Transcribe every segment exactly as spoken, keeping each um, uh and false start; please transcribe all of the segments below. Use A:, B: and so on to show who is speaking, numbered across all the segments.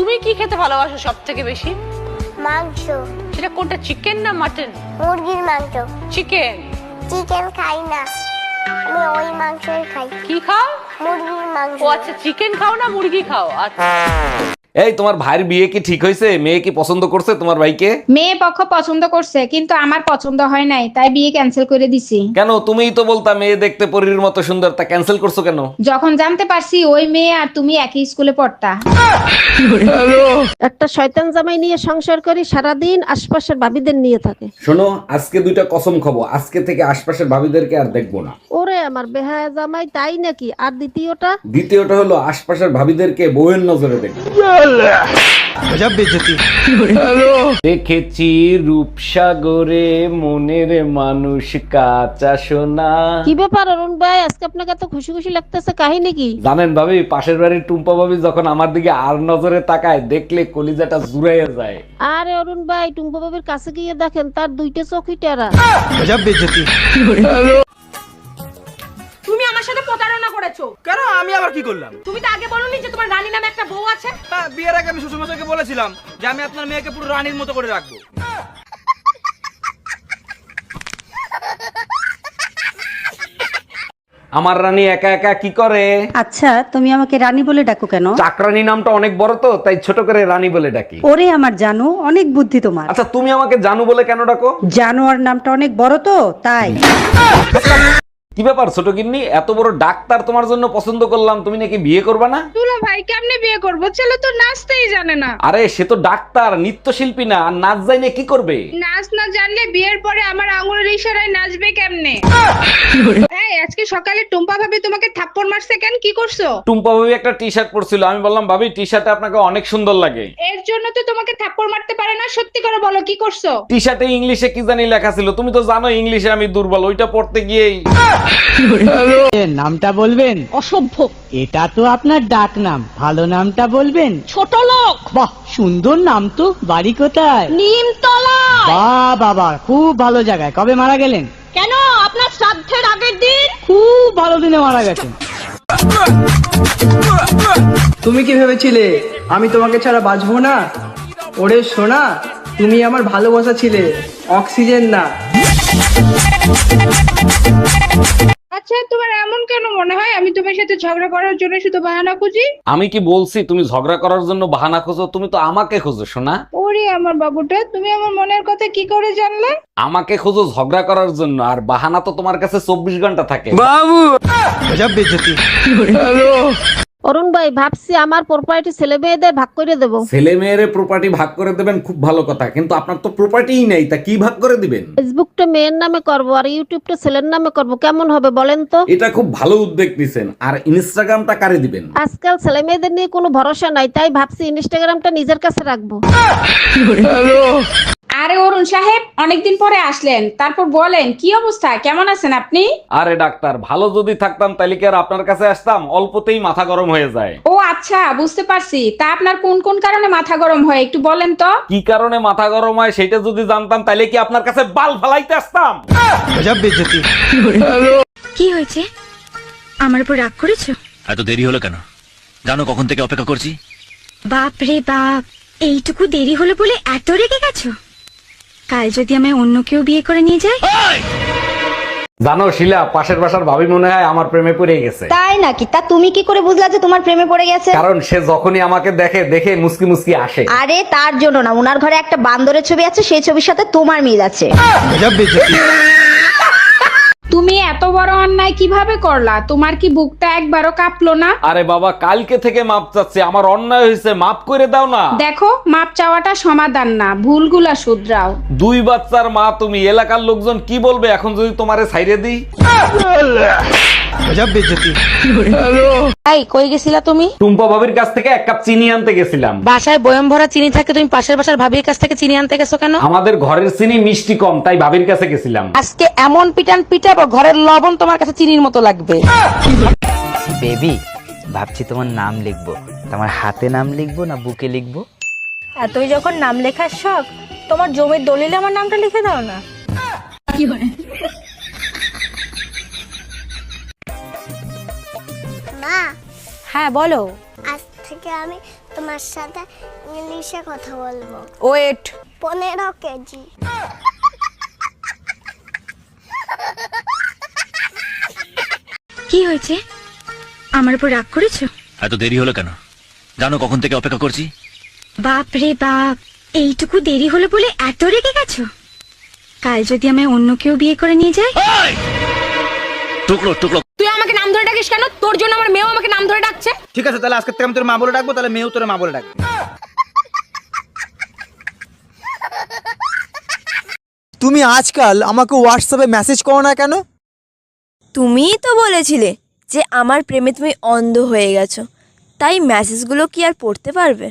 A: তুমি কি খেতে ভালোবাসো সব থেকে বেশি?
B: মাংস।
A: সেটা কোনটা, চিকেন না মাটন?
B: মুরগির মাংস।
A: চিকেন।
B: চিকেন খাই না, আমি ওই মাংসই খাই।
A: কি খাও?
B: মুরগির মাংস।
A: ও আচ্ছা, চিকেন খাও না মুরগি খাও? আচ্ছা।
C: এই তোমার ভাইয়ের বিয়ে কি ঠিক হয়েছে? মেয়ে কি পছন্দ করছে তোমার ভাইকে?
D: মেয়ে পক্ষ পছন্দ করছে, কিন্তু আমার পছন্দ হয় নাই, তাই বিয়ে ক্যান্সেল করে দিছি।
C: কেন? তুমিই তো বলতা মেয়ে দেখতে পরীর মতো সুন্দর, তা ক্যান্সেল করছো কেন?
D: যখন জানতে পারছি ওই মেয়ে আর তুমি একই স্কুলে পড়তা।
E: একটা শয়তান জামাই নিয়ে সংসার করি, সারাদিন আশপাশের ভাবিদের নিয়ে থাকে।
C: শোনো, আজকে দুইটা কসম খাবো, আজকে থেকে আশপাশের ভাবিদেরকে আর দেখবো না।
E: ওরে আমার বেহায়া জামাই, তাই নাকি? আর দ্বিতীয়টা?
C: দ্বিতীয়টা হলো আশপাশের ভাবিদেরকে বউয়ের নজরে দেখবো। দেখেছি রূপসাগরে মনের মানুষ কাঁচা সোনা।
E: কি ব্যাপার অরুণ ভাই, আজকে আপনাকে এত খুশি খুশি লাগতেছে, কাহিনী কি?
C: জানেন ভাবি, পাশের বাড়ির টুম্পা ভাবি যখন আমার দিকে আর নজরে তাকায়, দেখলে কলিজাটা জুড়াইয়া যায়।
E: আরে অরুণ ভাই, টুম্পা বাবির কাছে গিয়ে দেখেন তার দুইটা চোখই টেরা।
A: তুমি আমার সাথে প্রতারণা করেছো।
F: কেন? আমি আবার কি করলাম?
A: তুমি তো আগে বলোনি যে তোমার রানী নামে একটা বউ আছে?
F: হ্যাঁ, বিয়ের আগে আমি শ্বশুরমশাইকে বলেছিলাম যে আমি আপনার মেয়েকে পুরো রানীর মতো করে রাখবো।
C: আমার রানী একা একা কি করে?
G: আচ্ছা, তুমি আমাকে রানী বলে ডাকো কেন?
C: চাকরানী নামটা অনেক বড় তো, তাই ছোট করে রানী বলে ডাকি।
G: ওরে আমার জানো, অনেক বুদ্ধি তোমার।
C: আচ্ছা, তুমি আমাকে জানু বলে কেন ডাকো?
G: জানোয়ার নামটা অনেক বড় তো, তাই।
C: কি ব্যাপার ছোট গিন্নি, এত বড় ডাক্তার তোমার জন্য পছন্দ করলাম, তুমি নাকি বিয়ে করবে না?
D: দুলা ভাই কেমনে বিয়ে করবো? ছেলে তো নাচতেই জানে না।
C: আরে সে তো ডাক্তার, নৃত্যশিল্পী না, আর নাচ জানে কি করবে?
D: নাচ না জানলে বিয়ের পরে আমার আঙুলের ইশারায় নাচবে কেমনে? এই আজকে সকালে টুম্পা ভাবি তোমাকে থাপ্পড় মারছে কেন? কি করছো?
C: টুম্পা ভাবি একটা টি শার্ট পরছিল, আমি বললাম ভাবি টি শার্টে আপনাকে অনেক সুন্দর লাগে।
D: এর জন্য তো তোমাকে থাপ্পড় মারতে পারে না। সত্যি করে বলো কি করছো?
C: টি শার্টে ইংলিশে কি জানি লেখা ছিল, তুমি তো জানো ইংলিশে আমি দুর্বল, ওইটা পড়তে গিয়েই।
H: নামটা বলবেন?
A: অসভ্য।
H: এটা তো আপনার ডাক নাম, ভালো নামটা বলবেন?
A: ছোট লোক।
H: বাহ, সুন্দর নাম তো। বাড়ি কোথায়?
A: নিমতলা।
H: বাহ বাবা, খুব ভালো জায়গায়। কবে মারা গেলেন?
A: কেন? আপনার শ্রাদ্ধের আগের দিন।
H: খুব ভালো দিনে মারা গেছেন।
F: তুমি কি ভেবেছিলে আমি তোমাকে ছাড়া বাঁচবো না? ওরে সোনা, তুমি আমার ভালোবাসা ছিলে, অক্সিজেন না।
D: আচ্ছা, তোমার এমন কেন মনে হয় আমি তোমার সাথে ঝগড়া করার জন্য শুধু বাহানা খুঁজি?
C: আমি কি বলছি তুমি ঝগড়া করার জন্য বাহানা খোঁজো? তুমি তো আমাকে খোঁজো সোনা।
D: ওরে আমার বাবুটা, তুমি আমার মনের কথা কি করে জানলে?
C: আমাকে খোঁজো ঝগড়া করার জন্য, আর বাহানা তো তোমার কাছে চব্বিশ ঘন্টা থাকে।
E: অরুণ ভাই, ভাবছি আমার প্রপার্টি ছেলে মেয়েদের ভাগ করে দেবো।
C: ছেলে মেয়ের প্রপার্টি ভাগ করে দেবেন, খুব ভালো কথা, কিন্তু আপনার তো প্রপার্টিই নেই, তা কি ভাগ করে দিবেন?
E: ফেসবুকটা মেয়ের নামে করব আর ইউটিউবটা ছেলের নামে করব, কেমন হবে বলেন তো?
C: এটা খুব ভালো উদ্যোগ নিছেন। আর ইনস্টাগ্রামটা কারে দিবেন?
E: আজকাল ছেলে মেয়েদের নিয়ে কোনো ভরসা নাই, তাই ভাবছি ইনস্টাগ্রামটা নিজের কাছে রাখবো।
D: আরে অরুণ সাহেব, অনেকদিন পরে আসলেন, তারপর বলেন কি অবস্থা, কেমন আছেন আপনি?
C: আরে ডাক্তার, ভালো যদি থাকতাম তাহলে কি আর আপনার কাছে আসতাম? অল্পতেই মাথা গরম হয়ে যায়।
D: ও আচ্ছা, বুঝতে পারছি। তা আপনার কোন কোন কারণে মাথা গরম হয় একটু বলেন তো?
C: কি কারণে মাথা গরম হয় সেটা যদি জানতাম তাহলে কি আপনার কাছে বাল ফালাইতে আসতাম?
I: কি হয়েছে? আমার উপর রাগ করেছো?
J: এত দেরি হলো কেন? জানো কখন থেকে অপেক্ষা করছি?
I: বাপ রে বাপ, এইটুকু দেরি হলো বলে এত রেগে গেছো? কাল যদি আমায় অন্য কেউ বিয়ে করে নিয়ে যায়?
C: জানো শিলা, পাশের বাসার ভাবি মনে হয় আমার প্রেমে পড়ে গেছে।
B: তাই নাকি? তা তুমি কি করে বুঝলা যে তোমার প্রেমে পড়ে গেছে?
C: কারণ সে যখনই আমাকে দেখে দেখে মুসকি মুসকি আসে।
B: আরে তার জন্য না, উনার ঘরে একটা বান্দরের ছবি আছে, সেই ছবির সাথে তোমার মিল আছে।
D: তুমি এত বড় অন্যায় কিভাবে করলা? তোমার কি বুকটা একবারও কাঁপলো না?
C: আরে বাবা, কালকে থেকে মাপ চাচ্ছি, আমার অন্যায় হয়েছে, মাপ করে দাও না।
D: দেখো, মাপ চাওয়াটা সমাধান না, ভুলগুলা শুধরাও।
C: দুই বাচ্চার মা তুমি, এলাকার লোকজন কি বলবে এখন যদি তোমারে ছাইরে দিই?
E: এই কই গেছিলা তুমি?
C: টুম্পা ভাবির কাছ থেকে এক কাপ চিনি আনতে গেছিলাম।
E: বাসায় বয়ম ভরা চিনি থাকে, তুমি পাশের বাসার ভাবির কাছ থেকে চিনি আনতে গেছো কেন?
C: আমাদের ঘরের চিনি মিষ্টি কম, তাই ভাবির কাছে গেছিলাম।
E: আজকে এমন পিটান পিটাবো, ঘরের লবণ তোমার কাছে চিনির মতো লাগবে।
H: বেবি, ভাবছি তোমার নাম লিখবো। তোমার হাতে নাম লিখবো না বুকে লিখবো?
I: এতই যখন নাম লেখার শখ, তোমার জমির দলিলে আমার নামটা লিখে দাও না। কি হয়?
B: মা,
I: হ্যাঁ বলো।
B: আজ থেকে আমি
I: তোমার সাথে ইংলিশে কথা বলবো।
A: ওয়েট।
I: পনেরো কেজি। কি হয়েছে? আমার উপর রাগ করেছো?
J: এত দেরি হলো কেন? জানো কখন থেকে অপেক্ষা করছি?
I: বাপ রে বাপ, এইটুকু দেরি হলো বলে এত রেগে গেছো? কাল যদি আমায় অন্য কেউ বিয়ে করে নিয়ে যায়?
J: টুকরো টুকরো।
A: তুই আমাকে নাম ধরে ডাকিস কেন? তোর জন্য আমার মেয়েও আমাকে নাম ধরে ডাকছে।
H: ঠিক আছে, তাহলে আজকে থেকে আমি তোর মা বলে ডাকবো, তাহলে মেয়েও তোর মা বলে ডাকবে।
F: তুমি আজকাল আমাকে হোয়াটসঅ্যাপে মেসেজ করো না কেন?
A: তুমিই তো বলেছিলে যে আমার প্রেমে তুমি অন্ধ হয়ে গেছো, তাই মেসেজগুলো কি আর পড়তে পারবে?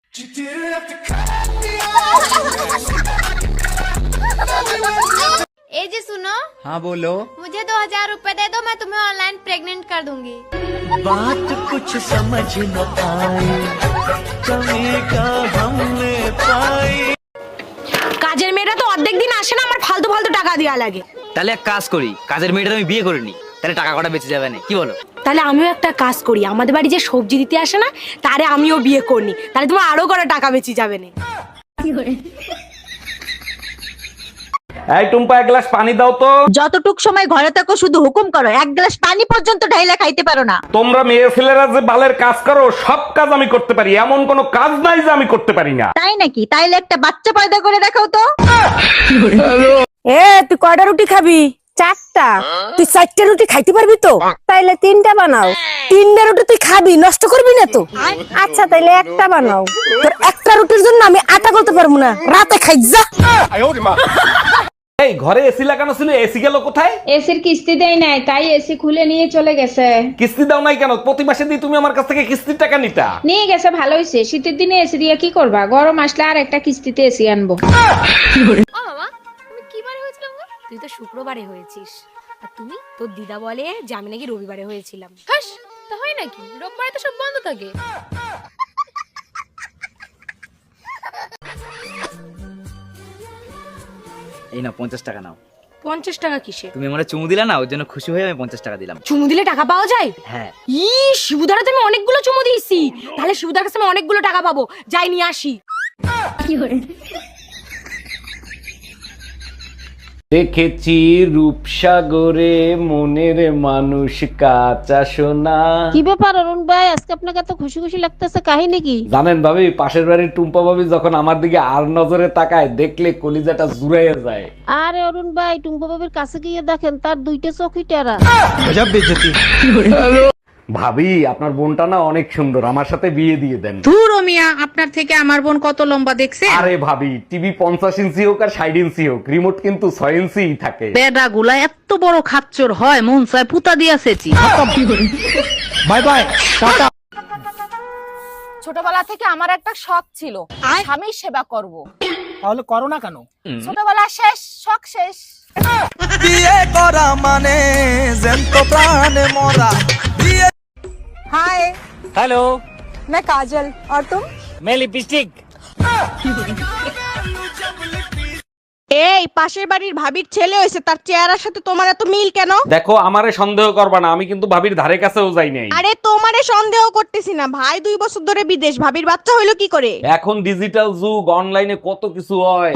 I: ए जी सुनो।
H: हाँ बोलो।
I: मुझे दो हजार रूपए दे दो, मैं तुम्हें ऑनलाइन प्रेग्नेंट कर दूंगी।
F: बात कुछ समझ न आई, कमी का हमने पाई।
A: কাজের মেয়েরা তো অর্ধেক দিন আসে না, আমার ফালতু ফালতু টাকা দেওয়া লাগে।
H: তাহলে এক কাজ করি, কাজের মেয়েটা আমি বিয়ে করে নি, তাহলে টাকা কটা বেঁচে যাবে না, কি বলো?
A: তাহলে আমিও একটা কাজ করি, আমাদের বাড়ি যে সবজি দিতে আসে না, তারে আমিও বিয়ে করনি, তাহলে তোমার আরো কটা টাকা বেঁচে যাবে না।
C: এই টুম্পা, এক গ্লাস পানি দাও তো।
B: যতটুক সময় ঘরে থাকো শুধু হুকুম করো, এক গ্লাস পানি পর্যন্ত ঢাইলা খাইতে পারো না।
C: তোমরা মেয়ে ছেলেরা যে বালের কাজ করো, সব কাজ আমি করতে পারি, এমন কোনো কাজ নাই যে আমি করতে পারি না।
B: তাই নাকি? তাইলে একটা বাচ্চা পয়দা করে দেখাও তো।
A: এ তুই কয়টা রুটি খাবি? চারটা। তুই চারটা রুটি খাইতে পারবি তো? তাইলে তিনটা বানাও। তিনটা রুটি তুই খাবি, নষ্ট করবি না তো? আচ্ছা তাইলে একটা বানাও। তোর একটা রুটির জন্য আমি আটা করতে পারবো না, রাতে খাই যা।
C: এই ঘরে এসি লাগানো ছিল, এসি গেল কোথায়?
D: এসির কিস্তি দেয় নাই, তাই এসি খুলে নিয়ে চলে গেছে।
C: কিস্তি দাও নাই কেন? প্রতি মাসে দিয়ে তুমি আমার কাছ থেকে কিস্তির টাকা নিতা।
D: নিয়ে গেছে, ভালো হয়েছে। শীতের দিনে এসি দিয়ে কি করবা? গরম আসলে আর একটা কিস্তিতে এসি আনবো।
A: তুই তো শুক্রবারে হয়েছিস, আর তুমি তোর দিদা বলে যে আমি নাকি রবিবারে হয়েছিলাম। তা হয় নাকি? রোববারে তো সব বন্ধ থাকে।
H: এই না, পঞ্চাশ টাকা নাও।
A: পঞ্চাশ টাকা কিসে?
H: তুমি আমার চুমু দিলা না, ওর জন্য খুশি হয়ে আমি পঞ্চাশ টাকা দিলাম।
A: চুমু দিলে টাকা পাওয়া যায়?
H: হ্যাঁ।
A: ই শিবুদার তো আমি অনেকগুলো চুমু দিয়েছি, তাহলে শিবুদার কাছে আমি অনেকগুলো টাকা পাবো। যাই নিয়ে আসি।
C: দেখেছি রূপসাগরে মনের মানুষ কাঁচা সোনা।
E: কি ব্যাপার অরুণ ভাই, আজকে আপনাকে এত খুশি খুশি লাগতেছে, কাহিনী কি?
C: জানেন ভাবি, পাশের বাড়ির টুম্পা ভাবি যখন আমার দিকে আর নজরে তাকায়, দেখলে কলিজাটা জুড়াইয়া যায়।
E: আরে অরুণ ভাই, টুম্পা বাবির কাছে গিয়ে দেখেন তার দুইটা চোখই টেরা।
C: ভাবি, আপনার বোনটা না অনেক সুন্দর, আমার সাথে বিয়ে দিয়ে দেন।
D: ধুর ও মিয়া, আপনার থেকে আমার বোন কত লম্বা দেখছে?
C: আরে ভাবি, টিভি পঞ্চাশ ইঞ্চি হোক আর ষাট ইঞ্চি হোক, রিমোট কিন্তু ছয় ইঞ্চি থাকে।
G: বেডা গুলা এত বড় খাচ্চর হয়, মন চায় পুতা দিয়াছেছি।
F: Bye bye, ta ta.
A: ছোটবেলা থেকে আমার একটা শখ ছিল, স্বামীর সেবা করব।
F: তাহলে করো না কেন?
A: ছোটবেলা শেষ, শখ শেষ।
F: বিয়ে করা মানে জ্যান্ত প্রাণে মরা।
A: हाय,
H: হ্যালো,
A: मैं काजल और तुम?
H: मैं लिपस्टिक।
B: এই পাশের বাড়ির ভাবির ছেলে হয়েছে, তার চেহারার সাথে তোমার এত মিল কেন?
C: দেখো, আমারে সন্দেহ করবা না, আমি কিন্তু ভাবির ধারে কাছেও যাই নাই।
B: আরে তোমারে সন্দেহ করতেছি না, ভাই দুই বছর ধরে বিদেশ, ভাবির বাচ্চা হইলো কি করে?
C: এখন ডিজিটাল যুগ, অনলাইনে কত কিছু হয়।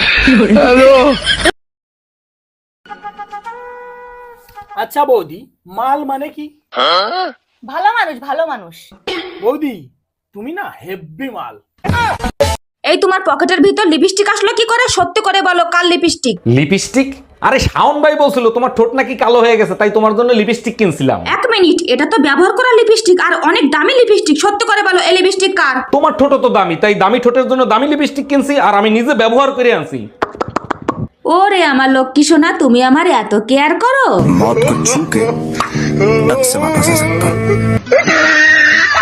F: আচ্ছা বৌদি, মাল মানে কি?
A: ভালো মানুষ, ভালো মানুষ।
F: বৌদি, তুমি না হেব্বি মাল।
A: এই তোমার পকেটের ভিতর লিপস্টিক আসলো কি করে? সত্যি করে বলো, কাল লিপস্টিক?
C: লিপস্টিক? আরে শাওন ভাই বলছিল তোমার ঠোঁট নাকি কালো হয়ে গেছে, তাই তোমার জন্য লিপস্টিক কিনছিলাম।
D: এক মিনিট, এটা তো ব্যবহার করা লিপস্টিক আর অনেক দামি লিপস্টিক। সত্যি করে বলো, এই লিপস্টিক কার?
C: তোমার ঠোঁট তো দামি, তাই দামি ঠোঁটের জন্য দামি লিপস্টিক কিনছি, আর আমি নিজে ব্যবহার করে আনছি।
D: ওরে আমার লক্ষ্মী সোনা, তুমি আমার এত কেয়ার করো।